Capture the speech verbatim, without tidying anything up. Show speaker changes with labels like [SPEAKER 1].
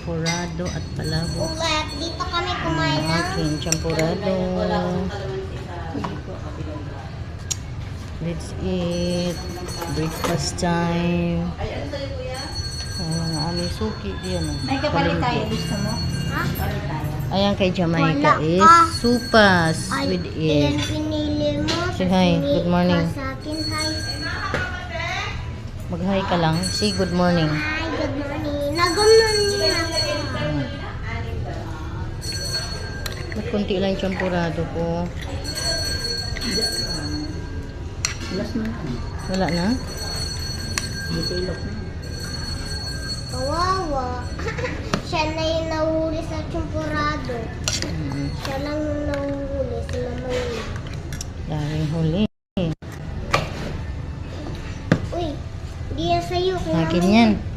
[SPEAKER 1] champurado at palabok.
[SPEAKER 2] Ulat, dito kami kumain
[SPEAKER 1] Ang
[SPEAKER 2] ng
[SPEAKER 1] aking champurado. Let's eat. Breakfast time. Ang aming suki diyan.
[SPEAKER 3] May kapalit tayo. Gusto mo?
[SPEAKER 2] ha?
[SPEAKER 3] Kapalit tayo.
[SPEAKER 1] Ayan kay Jamaica
[SPEAKER 2] Wala
[SPEAKER 1] is
[SPEAKER 2] ka.
[SPEAKER 1] supas
[SPEAKER 2] Ay,
[SPEAKER 1] with
[SPEAKER 2] ilan
[SPEAKER 1] it.
[SPEAKER 2] pinili mo?
[SPEAKER 1] Say hi.
[SPEAKER 2] Pinili
[SPEAKER 1] Good morning.
[SPEAKER 2] ka sa akin, hi.
[SPEAKER 1] Mag-hi ka lang. Say good morning.
[SPEAKER 2] Hi, good morning. Nagumnon niya ako.
[SPEAKER 1] Hmm. Ba't kunti lang champurado ko?
[SPEAKER 3] Last na lang.
[SPEAKER 1] Wala na?
[SPEAKER 3] Detailok na.
[SPEAKER 2] Kawawa. Siya na yung nahuli sa champurado.
[SPEAKER 1] Hmm.
[SPEAKER 2] Siya lang yung nahuli sa lamay.
[SPEAKER 1] Daming huli.
[SPEAKER 2] Uy, hindi yan sa'yo.
[SPEAKER 1] Akin yan.